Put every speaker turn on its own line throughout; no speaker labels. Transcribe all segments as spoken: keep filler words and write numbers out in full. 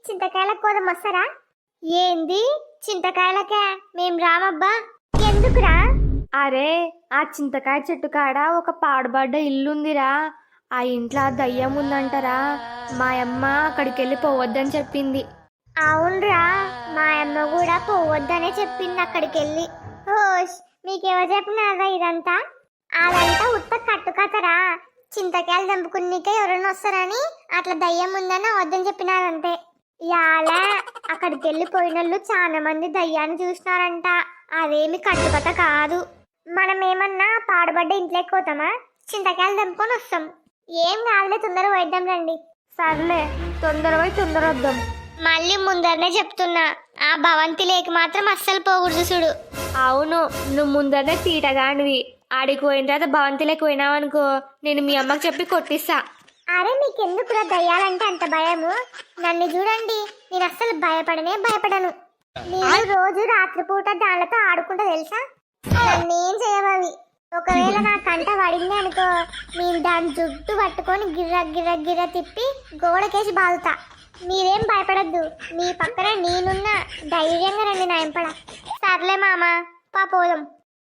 చింతకాయల కోదం వస్తారా? ఏంది చింతకాయలకే? మేం రామబ్బా. ఎందుకురా?
అరే ఆ చింతకాయ చెట్టు కాడ ఒక పాడుబడ్డ ఇల్లుందిరా. ఆ ఇంట్లో దయ్యం ఉందంటరా. మా అమ్మ అక్కడికి వెళ్ళి పోవద్దని చెప్పింది.
అవునరా, మా అమ్మ కూడా పోవద్దనే చెప్పింది అక్కడికి వెళ్ళి. హోష్, మీకెవరు చెప్పినారా ఇదంతా? అదంతా ఉత్త కట్టుకథరా. చింతకాయలు దంపుకునికే ఎవరైనా వస్తారని అట్లా దయ్యం ఉందని వద్దని చెప్పినారంతే. యాలా అక్కడికి వెళ్ళిపోయినోళ్ళు చాలా మంది దయ్యాన్ని చూసినారంట. అదేమి కట్టుకథ కాదు. మనం ఏమన్నా పాడుబడ్డ ఇంట్లోకి పోతామా? చింతకాయలు దంపుకొని వస్తాం. ఏం కాదులే, తొందర పోయిద్దాం రండి.
సర్లే, తొందర పోయి తొందర వద్దాం.
మళ్ళీ ముందరనే చెప్తున్నా, ఆ భవంతి లేక మాత్రం అస్సలు పోకూడదు చూడు.
అవును, నువ్వు ముందరనే తీటగానివి. ఆడికి పోయిన తర్వాత భవంతిలోకి పోయినావనుకో, నేను మీ అమ్మకి చెప్పి కొట్టిస్తా.
అరే మీకెందుకురా దయ్యాలంటే అంత భయము? నన్ను చూడండి, నేను అస్సలు భయపడనే భయపడను. నేను రోజు రాత్రిపూట దానితో ఆడుకుంటా తెలుసా. నన్నేం చేయవవి. ఒకవేళ నా కంట పడింది అనుకో, నేను దాని జుట్టు పట్టుకొని గిర్ర గిర్ర గిర్ర తిప్పి గోడకేసి బాదుతా. మీరేం భయపడద్దు, మీ పక్కన నేనున్నా. ధైర్యంగా రండి నా ఎంపడ. సర్లే మామ, పా పోదాం.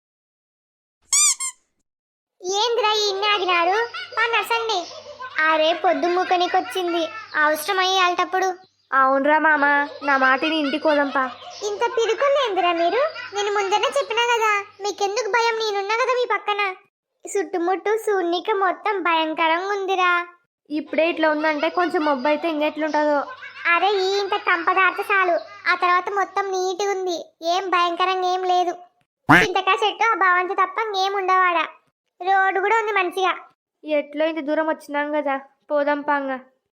ఏందిరా ఇన్ని ఆగినారు? పా నసండి. అరే పొద్దు మూకనికొచ్చింది, అవసరమయ్యి అల్టప్పుడు.
అవునరా మామ, నా మాటిని ఇంటికి పోదాంపా.
ఇంత పిరుకుందేందిరా మీరు? నేను ముందరనే చెప్పినా కదా, మీకెందుకు భయం? నేనున్నా కదా మీ పక్కన. చుట్టుముట్టు శూన్యక మొత్తం భయంకరంగా ఉందిరా.
ఇప్పుడే ఇట్లా ఉందంటే కొంచెం మొబ్బు అయితే ఇంకెట్లుంటుందో.
అరే ఈ ఇంత కంపదార్త చాలు, ఆ తర్వాత మొత్తం నీట్గా ఉంది. ఏం భయంకరంగా ఏం లేదు. చింతకాయ చెట్టు ఆ భవంతి తప్ప ఏం ఉండవాడా. రోడ్డు కూడా ఉంది మంచిగా.
ఎట్లో ఇంత దూరం వచ్చినాం కదా, పోదాం పాంగ.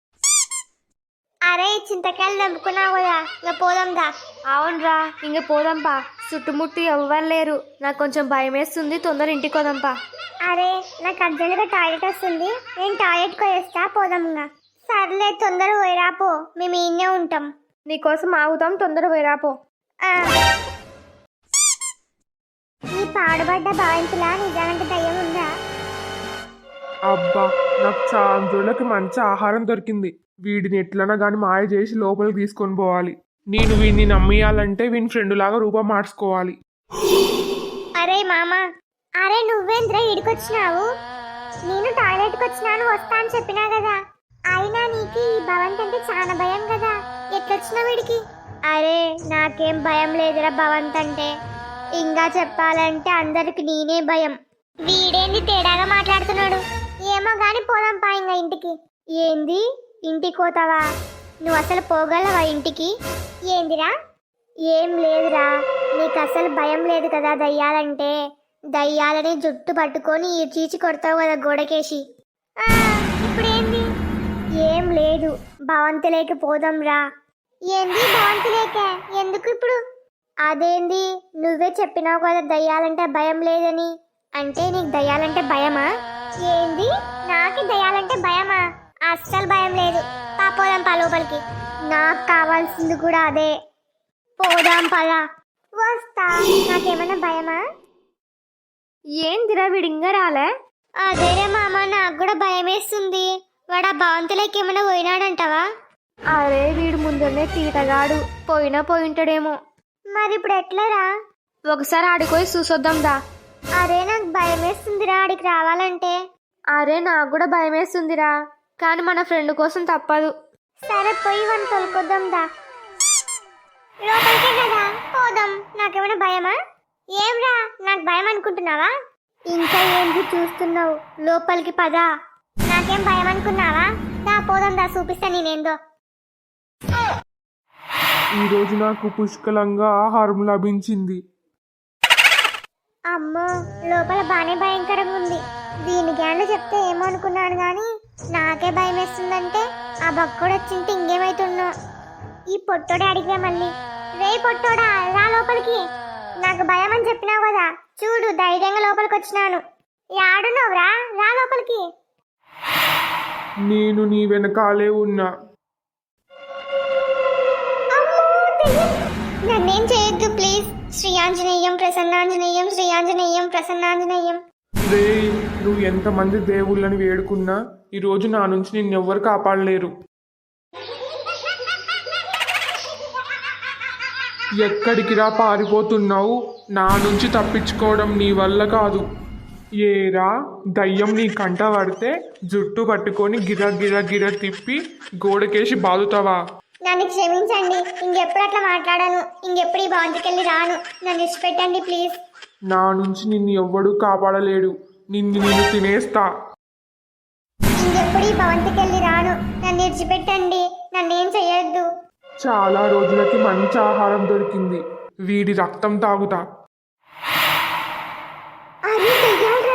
అరే చింతకాయలు దంపుకున్నావు కదా, ఇంకా పోదాందా.
అవునరా, ఇంక పోదాంపా. చుట్టుముట్టు ఎవ్వరు లేరు, నాకు కొంచెం భయం వేస్తుంది. తొందర ఇంటికి పోదాంపా.
అరే నాకు అర్జెంట్గా టాయిలెట్ వస్తుంది, నేను టాయిలెట్కి పోయేస్తా. పోదాం ఇంకా. సర్లే తొందర పోయిరాపో, మేము ఈయనే ఉంటాం.
నీకోసం ఆగుతాం, తొందర పోయిరాపో.
ఈ పాడుబడ్డ భవంతిలా నిజానికి దయ్యం ఉందా?
అబ్బా, నాకు చాలా రోజులకి మంచి ఆహారం దొరికింది. వీడిని ఎట్లన్నా కానీ మాయ చేసి లోపలికి తీసుకొని పోవాలి. నేను వీడిని నమ్మేయాలంటే వీని ఫ్రెండ్ లాగా రూపం మార్చుకోవాలి.
అరే మామ, అరే నువ్వేంద్రా ఇడికొచ్చినావు? నేను టాయిలెట్కి వచ్చినాను, వస్తా అని చెప్పినా కదా. అయినా నీకు ఈ భవంతి అంటే చాలా భయం కదా, ఎట్లొచ్చినావు వీడికి? అరే నాకేం భయం లేదురా భవంతి అంటే. ఇంకా చెప్పాలంటే అందరికి నేనే భయం. వీడేంది తేడాగా మాట్లాడుతున్నాడు? ఏమో గాని పోదాం పా ఇంకా ఇంటికి. ఏంది ఇంటికి పోతావా? నువ్వు అసలు పోగలవా ఇంటికి? ఏందిరా? ఏం లేదురా, నీకు అసలు భయం లేదు కదా దయ్యాలంటే. దయ్యాలని జుట్టు పట్టుకొని చీచి కొడతావు కదా గోడకేసి. ఇప్పుడేంది? ఏం లేదు, భవంతిలోకి పోదాం రా. ఏంది భవంతిలోకే? ఎందుకు ఇప్పుడు? అదేంది, నువ్వే చెప్పినావు కదా దయ్యాలంటే భయం లేదని. అంటే నీకు దయ్యాలంటే భయమా? ఏంది నాకు దయ్యాలంటే భయమా? అస్సలు భయం లేదు. పా పోదాం పా లోపలికి. నాకు కావాల్సింది కూడా అదే. పోదాం పదా. వస్తా. నాకేమన్నా భయమా?
ఏందిరా వీడింగా రాలే?
అదేరే మామ, నాకు కూడా భయం వేస్తుంది. వాడు ఆ భవంతులకి ఏమైనా పోయినాడంటావా?
అరే వీడు ముందరనే తీటగాడు, పోయినా పోయింటాడేమో.
మరి ఇప్పుడు ఎట్లరా?
ఒకసారి ఆడిపోయి చూసొద్దాం దా.
అరే నాకు భయం వేస్తుందిరా ఆడికి రావాలంటే.
అరే నాకు కూడా భయం వేస్తుందిరా, కానీ మన ఫ్రెండ్ కోసం తప్పదు.
సరే పోయి వన్ తోలుకొద్దాం దా. లోపలికే కదా పోదాం. నాకేమైనా భయమా? ఏమ్రా నాకు భయం అనుకుంటున్నావా? ఇంకా ఏంటి చూస్తున్నావు? లోపలికి పదా. నాకేం భయం అనుకున్నావా? దా పోదాం దా, చూపిస్తా నేనేందో.
ఈరోజు నాకు పుష్కలంగా ఆహారం లభించింది.
అమ్మో, లోపల బానే భయంకరంగా ఉంది. దీని గ్యాండ్లు చెప్తే ఏమో అనుకున్నాను కానీ నాకే భయం వేస్తుందంటే ఆ బక్కోడు వచ్చింటే ఇంకేమైతున్నా. ఈ పొట్టోడే అడిగా మళ్ళీ. రే పొట్టోడా రా లోపలికి. నాకు భయం అని చెప్పినావు కదా, చూడు ధైర్యంగా లోపలికి వచ్చినాను. యాడున్నావురా? రా లోపలికి.
నేను నీ వెనకాలే ఉన్నా.
నన్నేం చేయొద్దు ప్లీజ్. శ్రీ ఆంజనేయం ప్రసన్నాంజనేయం, శ్రీ ఆంజనేయం ప్రసన్నాంజనేయం.
రే, నువ్వు ఎంతమంది దేవుళ్ళని వేడుకున్నా ఈరోజు నా నుంచి నిన్నెవ్వరు కాపాడలేరు. ఎక్కడికిరా పారిపోతున్నావు? నా నుంచి తప్పించుకోవడం నీ వల్ల కాదు. ఏరా, దయ్యం నీ కంట పడితే జుట్టు పట్టుకొని గిర గిర గిర తిప్పి గోడకేసి బాదుతావా?
నన్ను క్షమించండి, ఇంకెప్పుడు అట్లా మాట్లాడాను. ఇంకెప్పుడు ఈ భవంతికెళ్ళి రాను. నన్ను ఇచ్చిపెట్టండి ప్లీజ్.
నా నుంచి నిన్ను ఎవ్వడూ కాపాడలేడు. నిన్ను నేను తినేస్తా.
ఇంకెప్పుడు ఈ భవంతికెళ్ళి రాను. నన్ను ఇచ్చిపెట్టండి. నన్నేం చెయ్యొద్దు.
చాలా రోజులకి మంచి ఆహారం దొరికింది. వీడి రక్తం తాగుతా.
అరే దయ్యాల్రా!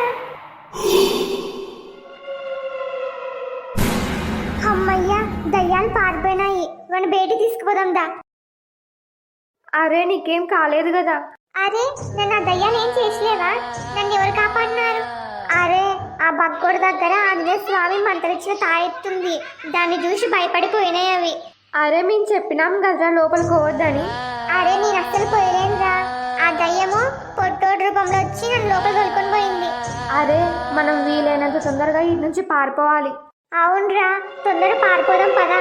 అమ్మయ్యా, దయ్యాలు పారిపోయినాయి. మన బయటికి తీసుకుపోదాం దా.
అరే నీకేం కాలేదు కదా?
అరే, నన్ను ఆ దయ్యాలు ఏం చేసలేవా? నన్ను ఎవరు కాపాడినారు? అరే, ఆ బక్కోడి దగ్గర ఆంజనేయ స్వామి మంత్రిచ్చిన తాయెత్తుంది. దాన్ని చూసి భయపడిపోయినాయి అవి.
అరే మేము చెప్పినాం కదరా లోపలికి పోవద్దని.
అరే నేను అస్సలు పోయలేనురా. ఆ దయ్యము పొట్టోడు రూపంలో వచ్చి నన్ను లోపల తోలుకొని పోయింది.
అరే మనం వీలైనంత తొందరగా ఇటు నుంచి పారిపోవాలి.
అవునరా, తొందర పారిపోదాం పదా.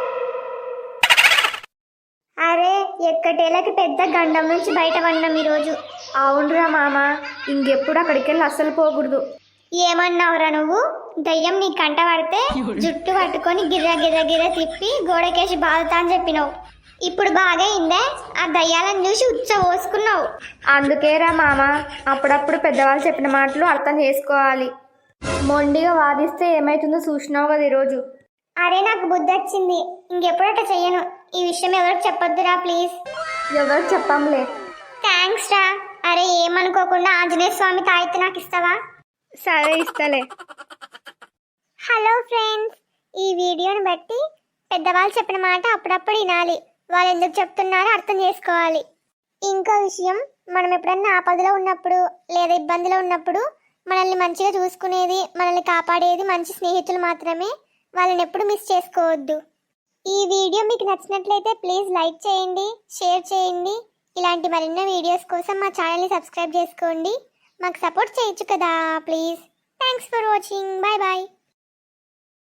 అరే, ఎక్కటేళ్ళకి పెద్ద గండం నుంచి బయట పడినాం ఈరోజు.
అవునరా మామ, ఇంకెప్పుడు అక్కడికి వెళ్ళి అస్సలు పోకూడదు.
ఏమన్నావురా నువ్వు? దయ్యం నీ కంట పడితే జుట్టు పట్టుకొని గిర్ర గిర్ర గిర్ర తిప్పి గోడకేసి బాదుతా అని చెప్పినావు. ఇప్పుడు బాగా అయిందే? ఆ దయ్యాలను చూసి ఉచ్చ పోసుకున్నావు.
అందుకేరా మామ, అప్పుడప్పుడు పెద్దవాళ్ళు చెప్పిన మాటలు అర్థం చేసుకోవాలి. మొండిగా వాదిస్తే ఏమైతుందో చూసినావు కదా ఈరోజు.
అరే నాకు బుద్ధి వచ్చింది. ఇంకెప్పుడు అట్లా చెయ్యను. ఈ విషయం ఎవరికి చెప్పొద్దురా ప్లీజ్.
ఎవరు చెప్పంలే.
థ్యాంక్స్ రా. అరే ఏమనుకోకుండా ఆంజనేయ స్వామి తాయితే నాకు ఇస్తావా?
సరే ఇస్తలే.
హలో ఫ్రెండ్స్, ఈ వీడియోని బట్టి పెద్దవాళ్ళు చెప్పిన మాట అప్పుడప్పుడు వినాలి. వాళ్ళు ఎందుకు చెప్తున్నారో అర్థం చేసుకోవాలి. ఇంకో విషయం, మనం ఎప్పుడన్నా ఆపదలో ఉన్నప్పుడు లేదా ఇబ్బందిలో ఉన్నప్పుడు మనల్ని మంచిగా చూసుకునేది, మనల్ని కాపాడేది మంచి స్నేహితులు మాత్రమే. వాళ్ళని ఎప్పుడు మిస్ చేసుకోవద్దు. ఈ వీడియో మీకు నచ్చినట్లయితే ప్లీజ్ లైక్ చేయండి, షేర్ చేయండి. ఇలాంటి మరిన్నో వీడియోస్ కోసం మా ఛానల్ని సబ్స్క్రైబ్ చేసుకోండి. మాకు సపోర్ట్ చేయొచ్చు కదా please. Thanks for watching. Bye bye.